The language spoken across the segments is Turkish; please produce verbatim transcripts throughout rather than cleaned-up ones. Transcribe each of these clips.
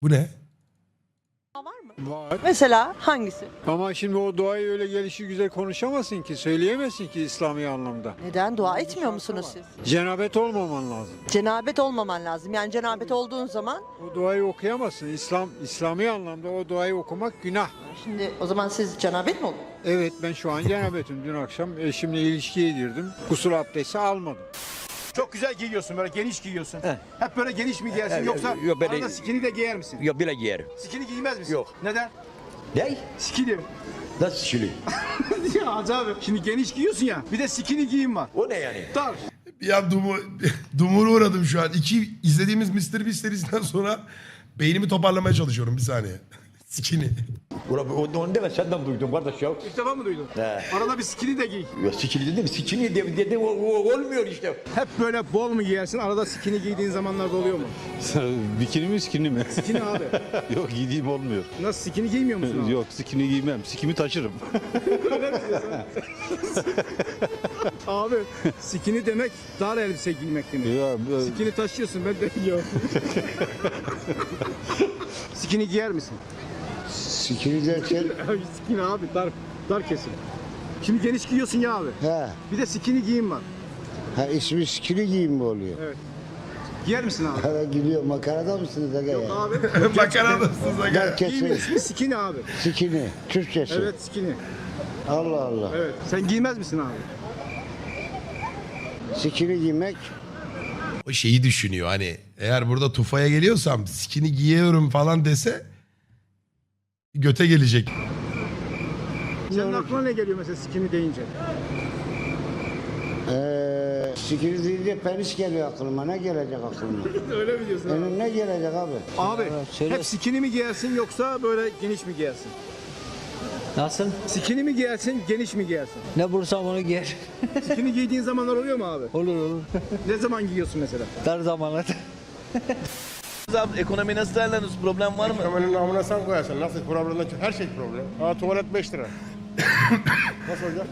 Bu ne? Var mı? Var. Mesela hangisi? Ama şimdi o duayı öyle gelişi güzel konuşamazsın ki, söyleyemezsin ki İslami anlamda. Neden? Dua etmiyor musunuz siz? Cenabet olmaman lazım. Cenabet olmaman lazım. Yani cenabet olduğun zaman O duayı okuyamazsın. İslam İslami anlamda o duayı okumak günah. şimdi o zaman siz cenabet mi olun? Evet, ben şu an cenabetim. Dün akşam eşimle ilişkiye girdim. Gusül abdesti almadım. Çok güzel giyiyorsun, böyle geniş giyiyorsun. He. Hep böyle geniş mi giyersin, He, yoksa yok, böyle- arada skinny de giyer misin? Yok bile giyerim. Skinny giymez misin? Yok. Neden? Ne? Skinny. Nasıl şili? Ya Hacı abi, şimdi geniş giyiyorsun ya, bir de skinny giyim var. O ne yani? Dar. Ya dumu, dumura uğradım şu an. İki izlediğimiz mister Beast serisinden sonra beynimi toparlamaya çalışıyorum bir saniye. Sikini. Ulan onu, onu deme senden duydum kardeş ya. İlk defa mı duydun? He. Arada bir skinny de giy. Ya sikini dedim, sikini dedim, dedim o, o, olmuyor işte. Hep böyle bol mu giyersin, arada skinny giydiğin zamanlarda oluyor mu? Bikini mi skini mi? Skinny abi. Yok giydiğim olmuyor. Nasıl, skinny giymiyor musun abi? Yok skini giymem. Sikimi taşırım. Abi, skinny demek dar elbise giymek demek. Ya, e, Skinny taşıyorsun, ben de giyiyorum. Skinny giyer misin? Sikini derken Abi skinny abi, dar, dar kesim. Şimdi geniş giyiyorsun ya abi. he, Bir de skinny giyim var. ha ismi sikini giyim mi oluyor? Giyer misin abi? Ha gidiyor, makarada mısınız aga ya? Abi. Makaradasınız aga. Gel Giyimin kesin. ismi skinny abi. Sikini, Türkçesi. Evet skinny. Allah Allah. Evet. Sen giymez misin abi? Sikini giymek, O şeyi düşünüyor hani eğer burada tufaya geliyorsam sikini giyiyorum falan dese göte gelecek. Senin aklına ne geliyor mesela skinny deyince? eee sikini deyince penis geliyor aklıma. Ne gelecek aklıma? Öyle mi diyorsun abi? Benim ne gelecek abi? Abi hep skinny mi giyersin yoksa böyle geniş mi giyersin? Nasıl? Skinny mi giyersin, geniş mi giyersin? Ne bulursam onu giyer. Skinny giydiğin zamanlar oluyor mu abi? Olur olur. Ne zaman giyiyorsun mesela? Dar zamanlarda. Abi ekonomi nasıl değerlendiriyorsun? Problem var mı? Ekonominin namına sen koyarsın. Nasıl problemden her şey problem. Ha tuvalet beş lira. Nasıl olacak?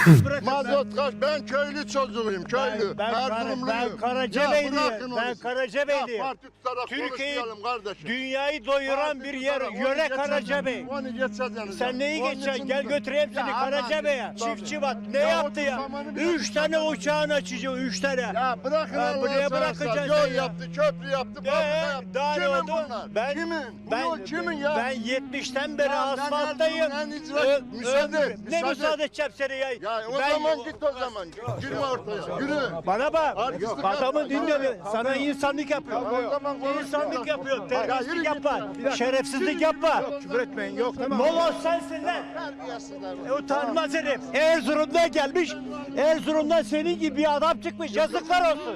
Mazot kaç? Ben köylü çocuğuyum, köylü. Ben, ben, Erzurumluyum. ben Karacabeyli'yim. Ben Karacabeyli'yim. Parti tutarak Türkiye'yi, konuşmayalım kardeşim. dünyayı doyuran bir yer, Onu yöre geçeceğiz Karacabey. yani, Onu geçeceğiz yani. Sen neyi Onun geçeceksin? için- Gel götüreyim seni Ya Karacabey'e. Allah'ım, Çiftçi bak ne Ya yaptı ya? otuz zamanı bir Üç tane yaptı. uçağını açacak, üç tane. Ya bırakın Ha, Allah'ını buraya seversen. bırakacaksın Yol sen ya. yaptı, köprü yaptı, Ee, fabrika yaptı. daha ne Kimin oldu? bunlar? Ben- kimin? Bu Ben, yol kimin ya? Ben yetmişten beri Ya ben asfalttayım. Erzurum'un en icra- Ö- Müsaade, ömrüm- Ne müsaade. müsaade edeceğim seni ya? Ya o Ben- zaman git o zaman. Girme ortaya. Yürü. Bana bak. Artistlik Adamın yapma. dinle. Sana insanlık yapıyor. O zaman konuş. İnsanlık yapıyor. Ya yürü Terbiyesizlik git yapma. ya. Şerefsizlik yapma. Küfür etmeyin, yok tamam. Moloz sensin lan. E, utanmaz herif. Erzurum'dan gelmiş. Erzurum'dan senin gibi bir adam çıkmış. Yazıklar olsun.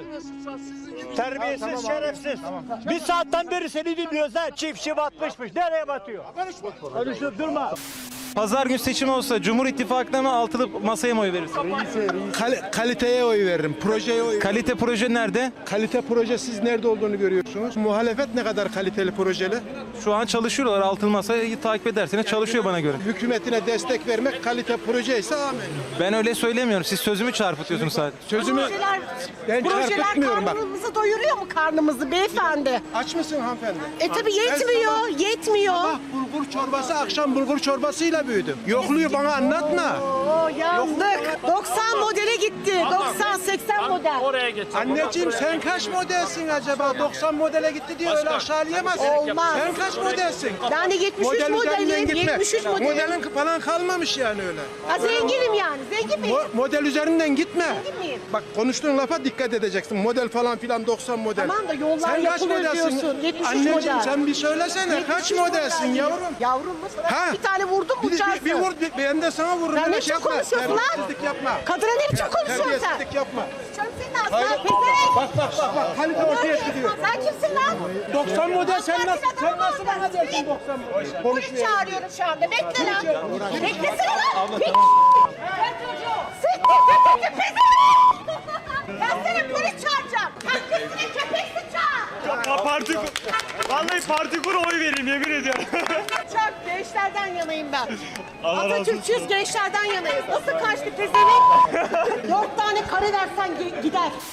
Terbiyesiz, şerefsiz. Bir saatten beri seni dinliyoruz ha. Çiftçi batmışmış. Nereye batıyor? Konuşup durma. Pazar günü seçim olsa Cumhur İttifakı'na mı altılı masaya mı oy verirsin? Kal- kaliteye oy veririm, projeye oy veririm. Kalite proje nerede? Kalite proje siz nerede olduğunu görüyorsunuz. Muhalefet ne kadar kaliteli projeli? Şu an çalışıyorlar altılı masayı takip ederseniz çalışıyor bana göre. Hükümetine destek vermek kalite proje ise amin. Ben öyle söylemiyorum. Siz sözümü çarpıtıyorsunuz sadece. Sözümü Projeler, ben projeler çarpıtmıyorum bak. karnımızı doyuruyor mu karnımızı beyefendi? Aç mısın hanımefendi? E tabi yetmiyor, yetmiyor. Sabah bulgur çorbası, akşam bulgur çorbasıyla büyüdüm. Yokluğu bana anlatma. Oo yandık. doksan modele gitti. doksan seksen model. Anneciğim sen kaç modelsin acaba? doksan modele gitti diye öyle aşağılayamazsın. Olmaz. Sen kaç modelsin? Ben de yetmiş üç Model üzerinden modelim. gitme. yetmiş üç modelim. Modelin falan kalmamış yani öyle. Ha, zenginim yani. Zengin miyim? Mo- model üzerinden gitme. Zengin miyim? Bak konuştuğun lafa dikkat edeceksin. Model falan filan doksan model. Tamam da yollar sen kaç yapılıyor modelsin? diyorsun. yetmiş üç Anneciğim model. sen bir söylesene. yetmiş Kaç üç modelsin model. yavrum? Yavrum mu? Sana Ha? bir tane vurdum mu Bir, uçarsın? bir, bir vur, bir, ben de sana vururum. Sen Öyle ne şey biçim yapma. konuşuyorsun lan? Terbiyesizlik yapma. Kadına ne biçim konuşuyorsun sen? Terbiyesizlik yapma. Canım senin ağzına Hayır. pezevenk. Bak bak bak bak. Kalite ortaya çıkıyor. Sen kimsin lan? doksan model sen Ben nasıl bir sen adamım nasıl orada. bana dersin Polis- doksan model? Polis Konuşmuyor. çağırıyorum şu anda. Bekle lan. Beklesene lan. Pik. Ben çocuğu. Siktir FETÖ'cü pezevenk. Ben seni polis çağıracağım. Herkesine köpeksin çağır. Ya parti kur. Vallahi parti kur oy vereyim yemin ediyorum. Çok gençlerden yanayım ben. Atatürkçüyüz, gençlerden yanayız. Nasıl kaçtı pezevenk? Dört tane kare versen ge- gider.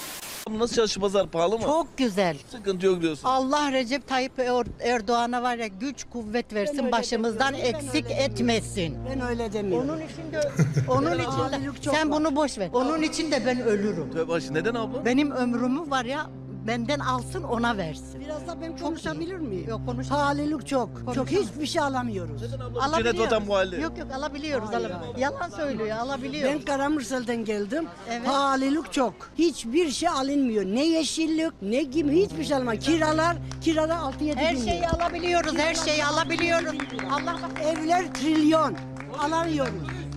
Nasıl çalışı pazar pahalı mı? Çok güzel. Sıkıntı yok diyorsun. Allah Recep Tayyip Er- Erdoğan'a var ya güç kuvvet versin, başımızdan eksik etmesin. Ben öyle demiyorum. Onun için de onun için de sen bunu boş ver. Onun için de ben ölürüm. Tövbe aşkına, neden abla? Benim ömrümü var ya benden alsın ona versin. Biraz da ben konuşabilir miyim? Yok konuş. Pahalılık çok. Çok Konuşamam. hiçbir şey alamıyoruz. Neden abla? Bu cennet vatan bu halde. Yok yok alabiliyoruz. alabiliyoruz. Yalan söylüyor alabiliyoruz. Ben Karamürsel'den geldim. Evet. Pahalılık çok. Hiçbir şey alınmıyor. Ne yeşillik, ne gibi hiçbir şey alınmıyor. Kiralar, kiralar altı yedi Her bin şeyi lira. alabiliyoruz. Her şeyi alabiliyoruz. Allah Evler trilyon. Alamıyoruz.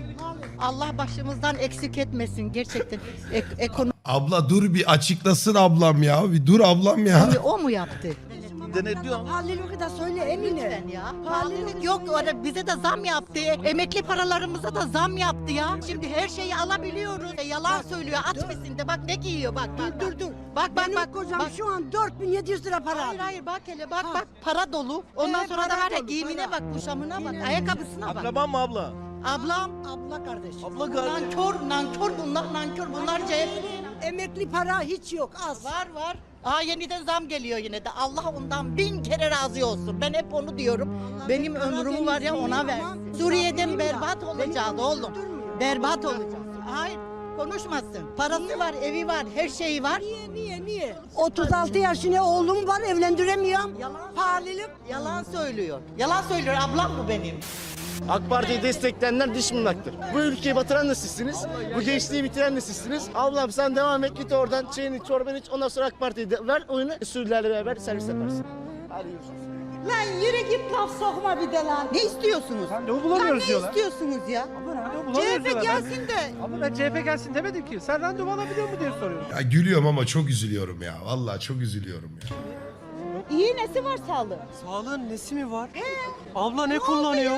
Allah başımızdan eksik etmesin gerçekten. Ek, ekonomi Abla dur bir açıklasın ablam ya. Bir dur ablam ya. o mu yaptı? Denetliyor ama. Pahalılığı da söyle Emine. Lütfen ya. Pahalılık yok. Orada bize de zam yaptı. Emekli paralarımıza da zam yaptı ya. Şimdi her şeyi alabiliyoruz. E, yalan söylüyor. At mısın de bak ne giyiyor bak. Bak Dur dur dur. Bak bak Benim bak. kocam bak. şu an dört bin yedi yüz lira para Hayır alıyor. hayır bak hele bak Ha. bak. Para dolu. Ondan Evet, sonra da para var ya dolu, giyimine para. bak, kuşamına bak, ayakkabısına bak. Akraban mı abla? Ablam, Abla kardeşim. Abla kardeş. nankör, nankör bunlar, nankör bunlar C H P. Emekli para hiç yok az. Var var. Aa yeniden zam geliyor yine de. Allah ondan bin kere razı olsun. Ben hep onu diyorum. Benim ömrümü var ya ona ver. Suriye'den berbat olacağız oğlum. Berbat olacağız. Hayır konuşmasın. Parası var, evi var, her şeyi var. Niye niye niye? otuz altı yaşında oğlum var evlendiremiyorum. Yalan, Pahalılık. yalan söylüyor. Yalan söylüyor. Ablam bu benim. AK Parti'yi destekleyenler dış mırnaktır. Bu ülkeyi batıran da sizsiniz. Bu gençliği bitiren de sizsiniz. Ablam sen devam et, git oradan çayını çorbanı iç. Ondan sonra AK Parti'yi de ver oyunu. Sürülerle beraber servis yaparsın. Hadi görüşürüz. Lan yürü git laf sokma bir de lan. Ne istiyorsunuz? Randevu bulamıyoruz ne diyorlar. istiyorsunuz ya? Randevu C H bulamıyoruz P diyorlar. gelsin de. Ama ben C H P gelsin demedim ki. Sen randevu alabiliyor mu diye soruyorum. Ya gülüyorum ama çok üzülüyorum ya. Vallahi çok üzülüyorum ya. İyi nesi var sağlığı? Sağlığın nesi mi var? Abla ne kullanıyor?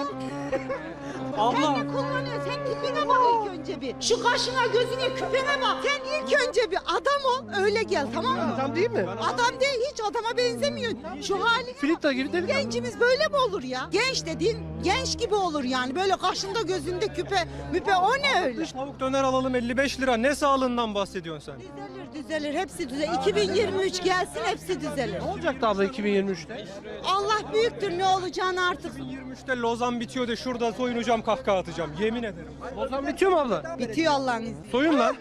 Abla. Sen ne kullanıyorsun? Sen tipine bak ilk önce bir. Şu kaşına gözüne küpene bak. Sen ilk önce bir adam ol öyle gel tamam mı? Adam değil mi? Adam değil hiç adama benzemiyor. Şu hali. Filipta gibi deli. Gencimiz böyle mi olur ya? Genç dediğin genç gibi olur yani. Böyle kaşında gözünde küpe müpe o ne öyle? Tavuk döner alalım elli beş lira. Ne sağlığından bahsediyorsun sen? Düzelir düzelir hepsi düzelir. iki bin yirmi üç gelsin hepsi düzelir. Ne olacaktı abla iki bin yirmi üçte? Allah büyüktür ne olacağını artık. iki bin yirmi üçte Lozan bitiyor de şurada soyunacağım kahkaha atacağım. Yemin ederim. Lozan bitiyor mu abla? Bitiyor Allah'ın izniyle. Soyun lan.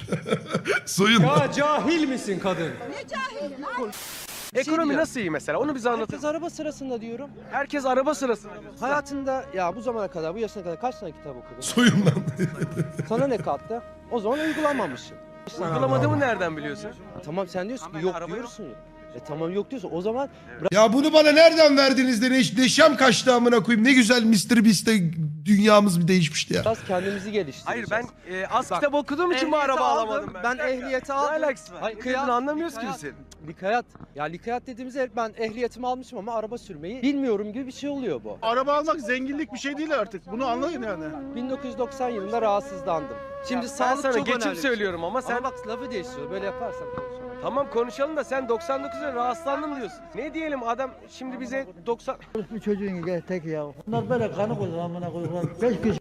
Soyun. Ya cahil misin kadın? Ne cahil lan? Ekonomi nasıl iyi mesela? Onu bize anlatın. Herkes araba sırasında diyorum. Herkes araba sırasında. Hayatında ya bu zamana kadar, bu yaşına kadar kaç tane kitap okudun? Soyun lan. Sana ne kattı? O zaman uygulamamışsın. Uygulamadığımı nereden biliyorsun? Tamam sen diyorsun ki yok diyorsun. E tamam yok diyorsun. O zaman Ya bunu bana nereden verdiniz de ne, neşem kaçtı amına koyayım. Ne güzel mister Beast'te dünyamız bir değişmişti ya. biraz kendimizi geliştireceğiz. Hayır ben e, az kitap okuduğum için bu araba alamadım ben. Ben ehliyeti aldım. Ne alakası var? Hayır, kıyat, anlamıyoruz ki biz. Likayat. Ya likayat dediğimizde ben ehliyetimi almışım ama araba sürmeyi bilmiyorum gibi bir şey oluyor bu. Araba almak zenginlik bir şey değil artık. Bunu anlayın yani. bin dokuz yüz doksan yılında rahatsızlandım. Şimdi sağlık sana çok geçim söylüyorum ama sen... Ama bak lafı değiştiriyor. Böyle yaparsan konuşalım. Tamam konuşalım da sen doksan dokuzda rahatsızlandım diyorsun. Ne diyelim adam şimdi bize doksan... Bir çocuğun gel tek ya. Bunlar böyle kanı koydu amına koydular. Beş kişi.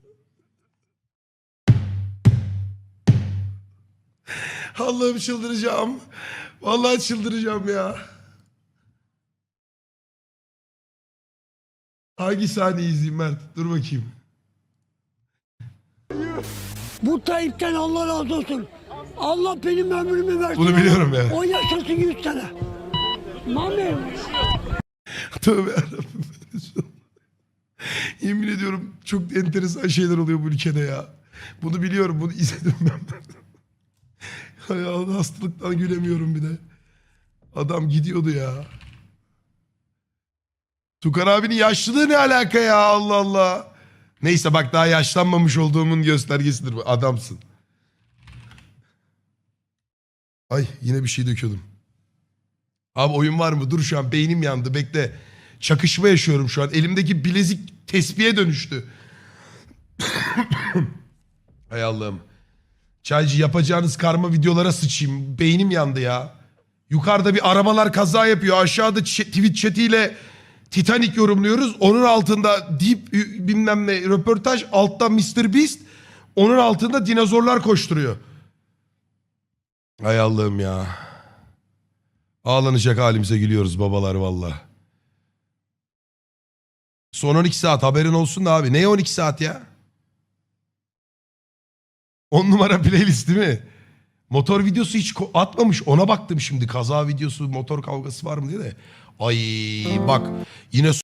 Allah'ım çıldıracağım. Vallahi çıldıracağım ya. Hangi sahneyi izleyeyim Mert? Dur bakayım. Bu Tayyip'ten Allah razı olsun. Allah benim ömrümü versin. Bunu biliyorum ya. O yaşasın yüz sene. Mami. Tövbe yarabbim. Yemin ediyorum çok enteresan şeyler oluyor bu ülkede ya. Bunu biliyorum, bunu izledim ben. Hay Allah, hastalıktan gülemiyorum bir de. Adam gidiyordu ya. Tukar abinin yaşlılığı ne alaka ya, Allah Allah. Neyse bak, daha yaşlanmamış olduğumun göstergesidir bu. Adamsın. Ay yine bir şey döküyordum. Abi oyun var mı? Dur şu an beynim yandı, bekle. Çakışma yaşıyorum şu an. Elimdeki bilezik tespihe dönüştü. Hay Allah'ım. Çaycı, yapacağınız karma videolara sıçayım. Beynim yandı ya. Yukarıda bir arabalar kaza yapıyor. Aşağıda ç- Twitch chat'iyle Titanic yorumluyoruz. Onun altında deep bilmem ne röportaj. Altta mister Beast. Onun altında dinozorlar koşturuyor. Hay Allah'ım ya. Ağlanacak halimize gülüyoruz babalar valla. Son on iki saat haberin olsun da abi. Neye on iki saat ya? on numara playlist değil mi? Motor videosu hiç atmamış. Ona baktım şimdi. Kaza videosu, motor kavgası var mı diye de. Ay bak yine